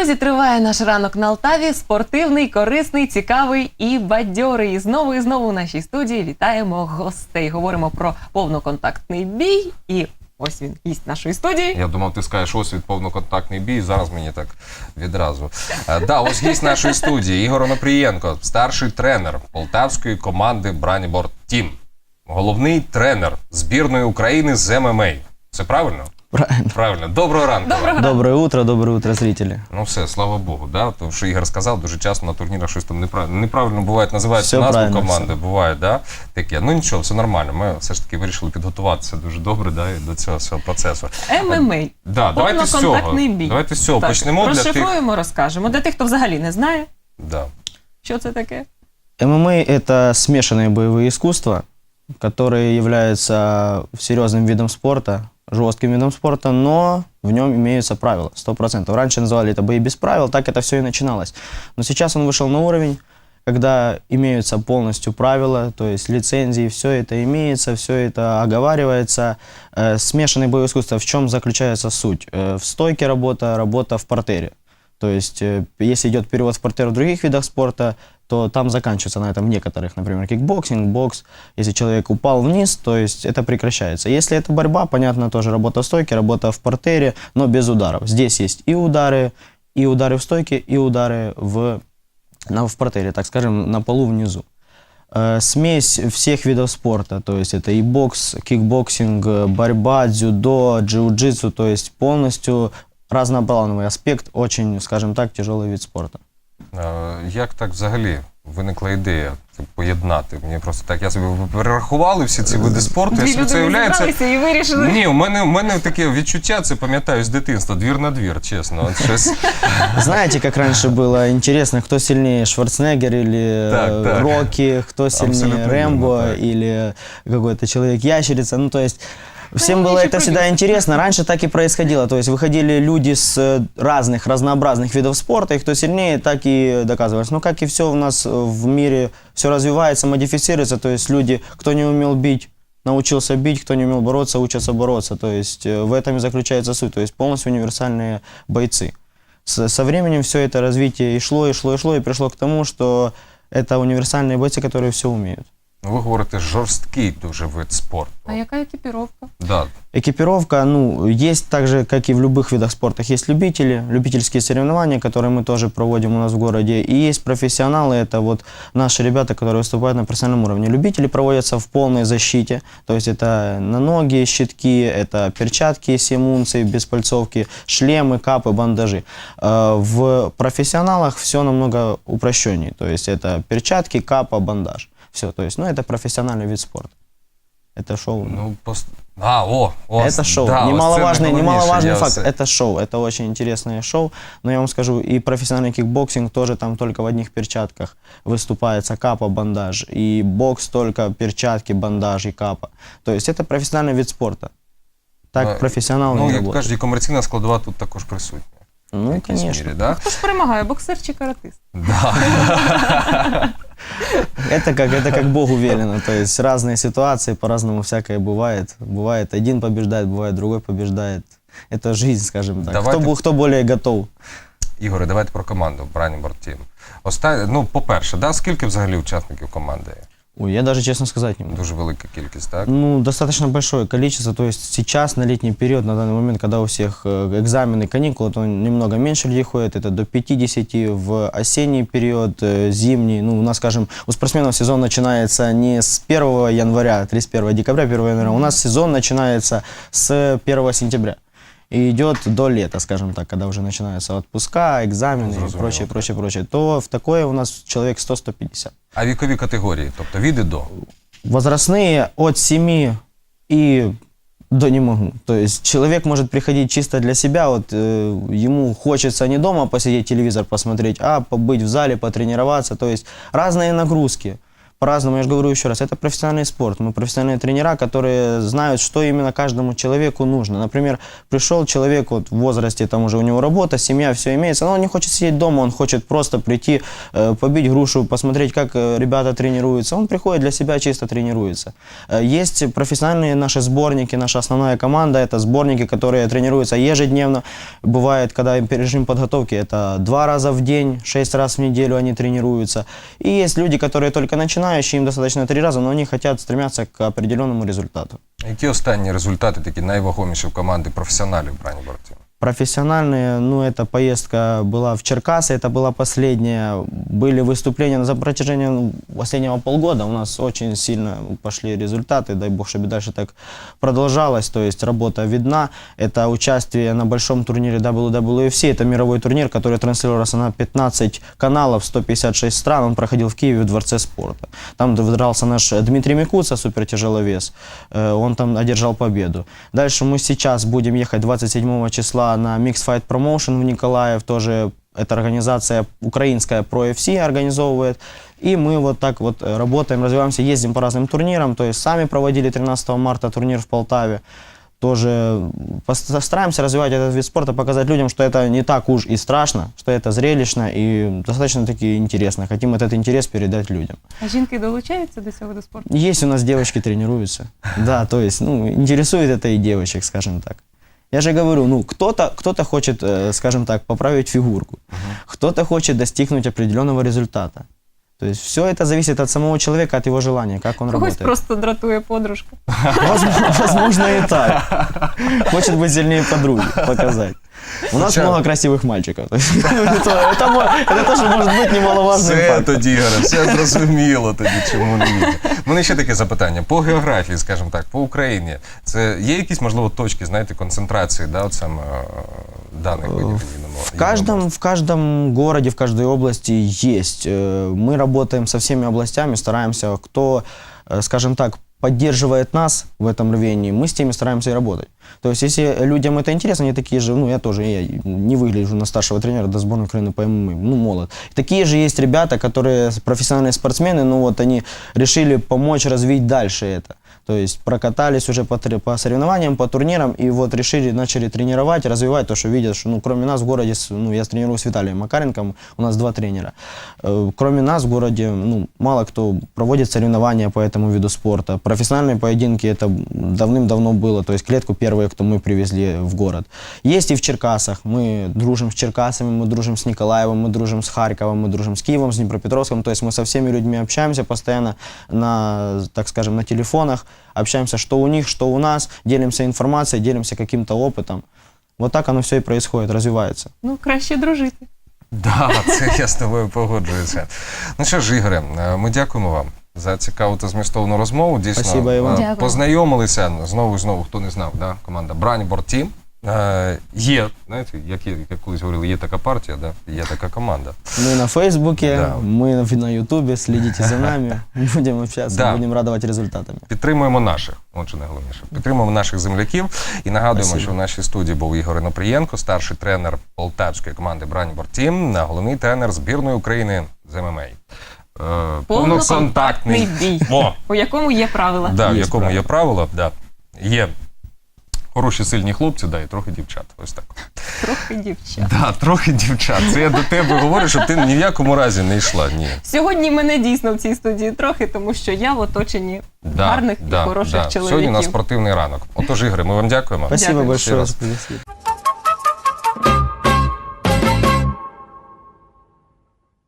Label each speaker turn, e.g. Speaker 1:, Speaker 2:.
Speaker 1: Друзі, триває наш ранок на Алтаві. Спортивний, корисний, цікавий і бадьорий. І знову в нашій студії вітаємо гостей. Говоримо про повноконтактний бій. І ось він, гість нашої студії.
Speaker 2: Я думав, ти скажеш, ось від повноконтактний бій. Зараз мені так відразу. Да, ось гість нашої студії. Ігор Онопрієнко, старший тренер полтавської команди Браніборд Тім. Головний тренер збірної України з ММА. Це правильно?
Speaker 3: Правильно.
Speaker 2: Правильно. Доброго ранку.
Speaker 3: Доброе утро, зрители.
Speaker 2: Ну все, слава Богу, да? Тому що Ігор сказав, дуже часто на турнірах щось там неправильно буває, називається назву команди, буває, да? Таке. Ну нічого, все нормально. Ми все ж таки вирішили підготуватися дуже добре, да, до цього всього процесу.
Speaker 1: ММА.
Speaker 2: Да, давайте з цього.
Speaker 1: Бій.
Speaker 2: Давайте з цього
Speaker 1: так,
Speaker 2: почнемо.
Speaker 1: Розшифруємо, розкажемо. Для тих, хто взагалі не знає,
Speaker 2: Да.
Speaker 1: що це таке.
Speaker 3: ММА – это смешанные боевые искусства, которые являются серьезным видом спорта, жестким видом спорта, но в нем имеются правила, 100%. Раньше называли это бои без правил, так это все и начиналось. Но сейчас он вышел на уровень, когда имеются полностью правила, то есть лицензии, все это имеется, все это оговаривается. Смешанные боевые искусства, в чем заключается суть? В стойке работа в партере. То есть, если идет перевод в партер в других видах спорта, то там заканчивается на этом некоторых, например, кикбоксинг, бокс. Если человек упал вниз, то есть это прекращается. Если это борьба, понятно, тоже работа в стойке, работа в партере, но без ударов. Здесь есть и удары в стойке, и удары в партере, так скажем, на полу внизу. Смесь всех видов спорта, то есть это и бокс, кикбоксинг, борьба, дзюдо, джиу-джитсу, то есть полностью разноплановый аспект, очень, скажем так, тяжелый вид спорта.
Speaker 2: Як так взагалі виникла ідея поєднати? Мені просто так, я собі перерахували всі ці види спорту.
Speaker 1: Дві людини зібралися і вирішили.
Speaker 2: Ні, у мене таке відчуття, це пам'ятаю з дитинства, двір на двір, чесно.
Speaker 3: Знаете, как раньше было интересно, кто сильнее, Шварценеггер или Рокки, кто сильнее, Рэмбо или какой-то человек-ящерица, ну то есть... Всем было это всегда интересно. Раньше так и происходило. То есть выходили люди с разнообразных видов спорта, и кто сильнее, так и доказывались. Но как и все у нас в мире, все развивается, модифицируется. То есть люди, кто не умел бить, научился бить, кто не умел бороться, учатся бороться. То есть в этом и заключается суть. То есть полностью универсальные бойцы. Со временем все это развитие и шло, и пришло к тому, что это универсальные бойцы, которые все умеют.
Speaker 2: Ви говорите, жорсткий дуже вид спорту.
Speaker 1: А яка екіпіровка?
Speaker 2: Да.
Speaker 3: Экипировка, ну, есть так же, как и в любых видах спорта. Есть любители, любительские соревнования, которые мы тоже проводим у нас в городе. И есть профессионалы, это вот наши ребята, которые выступают на профессиональном уровне. Любители проводятся в полной защите, то есть это на ноги, щитки, это перчатки с унций, без пальцовки, шлемы, капы, бандажи. В профессионалах все намного упрощеннее, то есть это перчатки, капа, бандаж. Все, то есть, ну, это профессиональный вид спорта. Это шоу.
Speaker 2: Ну,
Speaker 3: это шоу.
Speaker 2: Да,
Speaker 3: немаловажный факт. Это шоу. Это очень интересное шоу. Но я вам скажу, и профессиональный кикбоксинг тоже там только в одних перчатках выступается капа, бандаж. И бокс только перчатки, бандаж и капа. То есть это профессиональный вид спорта. Так профессионалы не работают.
Speaker 2: Ну, як кажуть, і комерційна складова тут також присутня.
Speaker 3: Ну, конечно.
Speaker 2: Мірі, да?
Speaker 1: Хто ж перемагає, боксер чи каратист?
Speaker 2: Да.
Speaker 3: Это как Богу велено, то есть разные ситуации, по-разному всякое бывает. Бывает один побеждает, бывает другой побеждает. Это жизнь, скажем так. Хто более готов.
Speaker 2: Ігоре, давайте про команду Браніборд Тім. Ну, по-перше, да, скільки взагалі учасників команди?
Speaker 3: Ой, я даже честно сказать не могу.
Speaker 2: Дуже велика кількість, так?
Speaker 3: Ну, достаточно большое количество. То есть сейчас, на летний период, на данный момент, когда у всех экзамены, каникулы, то немного меньше людей ходит. Это до 50. В осенний период, зимний. Ну, у нас, скажем, у спортсменов сезон начинается не с 1 января, 31 декабря, 1 января. У нас сезон начинается с 1 сентября. И идет до лета, скажем так, когда уже начинаются отпуска, экзамены и прочее. То в такое у нас человек 100-150.
Speaker 2: А вікові категорії, тобто від і до?
Speaker 3: Возрастные от 7 и до не могу. То есть человек может приходить чисто для себя, вот ему хочется не дома посидеть, телевизор посмотреть, а побыть в зале, потренироваться. То есть разные нагрузки. по-разному, я же говорю еще раз, это профессиональный спорт. Мы профессиональные тренера, которые знают, что именно каждому человеку нужно. Например, пришел человек вот, в возрасте, там уже у него работа, семья, все имеется, но он не хочет сидеть дома, он хочет просто прийти, побить грушу, посмотреть, как ребята тренируются. Он приходит для себя, чисто тренируется. Есть профессиональные наши сборники, наша основная команда, это сборники, которые тренируются ежедневно. Бывает, когда режим подготовки, это 2 раза в день, 6 раз в неделю они тренируются. И есть люди, которые только начинающие, им достаточно 3 раза, но они хотят стремятся к определенному результату.
Speaker 2: Які останні результати, такі найвагоміші в команди професіоналів Брані Борт Тім?
Speaker 3: Профессиональные, ну, эта поездка была в Черкасы, это была последняя. Были выступления за протяжении последнего полгода. У нас очень сильно пошли результаты, дай бог, чтобы дальше так продолжалось. То есть работа видна. Это участие на большом турнире WWFC. Это мировой турнир, который транслировался на 15 каналов, 156 стран. Он проходил в Киеве в Дворце спорта. Там дрался наш Дмитрий Микуца, супертяжеловес. Он там одержал победу. Дальше мы сейчас будем ехать 27 числа на Mixed Fight Promotion в Николаев, тоже эта организация украинская Pro FC организовывает. И мы вот так вот работаем, развиваемся, ездим по разным турнирам, то есть сами проводили 13 марта турнир в Полтаве. Тоже стараемся развивать этот вид спорта, показать людям, что это не так уж и страшно, что это зрелищно и достаточно-таки интересно. Хотим этот интерес передать людям.
Speaker 1: А жінки долучаються до цього до спорту?
Speaker 3: Есть у нас девочки тренируются. Да, то есть, ну, интересует это и девочек, скажем так. Я же говорю, ну, кто-то хочет, скажем так, поправить фигурку, кто-то хочет достигнуть определенного результата. То есть все это зависит от самого человека, от его желания, как он
Speaker 1: Когось
Speaker 3: работает.
Speaker 1: просто дратує подружка.
Speaker 3: Возможно, и так. Хочет быть сильнее подруги, показать. У нас
Speaker 2: Хоча-
Speaker 3: много красивых мальчиков. Это тоже может быть немаловажным
Speaker 2: Все
Speaker 3: фактом.
Speaker 2: тоді, Ігоре, все зрозуміло тоді, чому не вірю. У мене ще таке запитання. По географії, скажімо так, по Україні, це є якісь, можливо, точки, знаєте, концентрації, да, от саме даних видів
Speaker 3: В каждом городе, в каждой области есть. Мы работаем со всеми областями, стараемся, кто, скажем так, поддерживает нас в этом рвении, мы с теми стараемся и работать. То есть, если людям это интересно, они такие же, ну, я тоже, я не выгляжу на старшего тренера до сборной Украины по ММА, ну, молод. Такие же есть ребята, которые профессиональные спортсмены, ну, вот они решили помочь развить дальше это. То есть прокатались уже по соревнованиям, по турнирам, и вот решили, начали тренировать, развивать то, что видят, что, ну, кроме нас в городе, ну, я тренирую с Виталием Макаренком, у нас 2 тренера. Кроме нас в городе, ну, мало кто проводит соревнования по этому виду спорта. Профессиональные поединки, это давным-давно было, то есть клетку первые, кто мы привезли в город. Есть и в Черкасах, мы дружим с Черкасами, мы дружим с Николаевым, мы дружим с Харьковом, мы дружим с Киевом, с Днепропетровском, то есть мы со всеми людьми общаемся постоянно на, так скажем, на телефонах, общаемся, что у них, что у нас, делимся информацией, делимся каким-то опытом. Вот так оно все и происходит, развивается.
Speaker 1: Ну, краще дружити.
Speaker 2: Да, це я з тобою погоджуюся. Ну що ж, Ігоре, ми дякуємо вам за цікаву та змістовну розмову. Дійсно,
Speaker 3: Спасибо, Іван.
Speaker 1: Дякую.
Speaker 2: познайомилися знову і знову, хто не знав, да? Команда Брані Борт Тім. Є, знаєте, як колись говорили, є така партія, да? Є така команда.
Speaker 3: Мы на Фейсбуке,
Speaker 2: Да.
Speaker 3: мы на Ютубе, следите за нами, будем общаться,
Speaker 2: Да.
Speaker 3: будем радовать результатами.
Speaker 2: Підтримуємо наших, отже найголовніше. Підтримуємо наших земляків і нагадуємо,
Speaker 3: Спасибо.
Speaker 2: що в нашій студії був Ігор Онопрієнко, старший тренер полтавської команди Брані Борт Тім, головний тренер збірної України з ММА.
Speaker 1: Повноконтактний бій,
Speaker 2: О,
Speaker 1: у якому є правила.
Speaker 2: да, в
Speaker 3: Є
Speaker 2: якому
Speaker 3: правила.
Speaker 2: є правила, да. Є хороші сильні хлопці, да, і трохи дівчат. Ось так.
Speaker 1: Трохи дівчат.
Speaker 2: Да, трохи дівчат. Це я до тебе говорю, щоб ти ні в якому разі не йшла. Ні.
Speaker 1: Сьогодні мене дійсно в цій студії трохи, тому що я в оточенні гарних і хороших чоловіків.
Speaker 2: Сьогодні у нас спортивний ранок. Отож, Ігоре, ми вам дякуємо.
Speaker 3: Спасибо
Speaker 1: Дякую.
Speaker 3: большое
Speaker 2: Ще раз.
Speaker 3: за пригласили.